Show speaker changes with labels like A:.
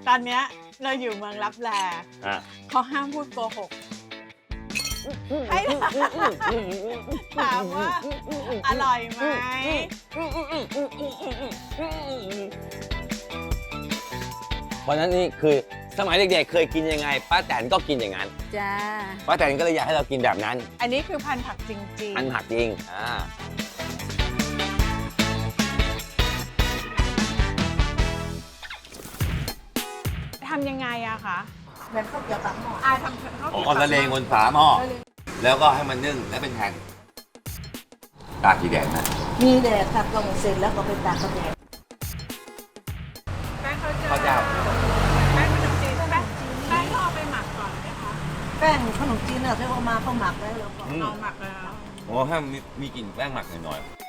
A: ตอนเนี้ยเราอยู่เมืองลับแลเขาห้ามพูดโกหกให้ถามว่าอร่อยไหม
B: เพราะนั้นนี่คือสมัยเด็กๆเคยกินยังไงป้าแตนก็กินอย่างนั้น
A: จ้า
B: ป้าแตนก็เลยอยากให้เรากินแบบนั้น
A: อันนี้คือพันธุ์ผักจริง
B: อันหักจริง
A: ๆทำยังไงอะคะแบบข้าวเกี๊ยวปากหม้อทำข้าว
B: เอาละเลงบนฝาหม้อแล้วก็ให้มันนึ่งและเป็นแผ่นตากกี่แดดนะ
C: มีแดดตักลงเสร็จแล้วก็ไปตากกระแดด
A: แป้งข้าว
B: ข้าวเจ้า
A: แป้งขนมจีนแป้งก็เอาไปหมักก่อนนะคะ
C: แป้งขนมจีนเนี่ยเรียกว่ามาเขาหมักแล้วเราก็
A: เอาหมักแล้ว
B: โอ้ให้มีกลิ่นแป้งหมักหน่อยๆ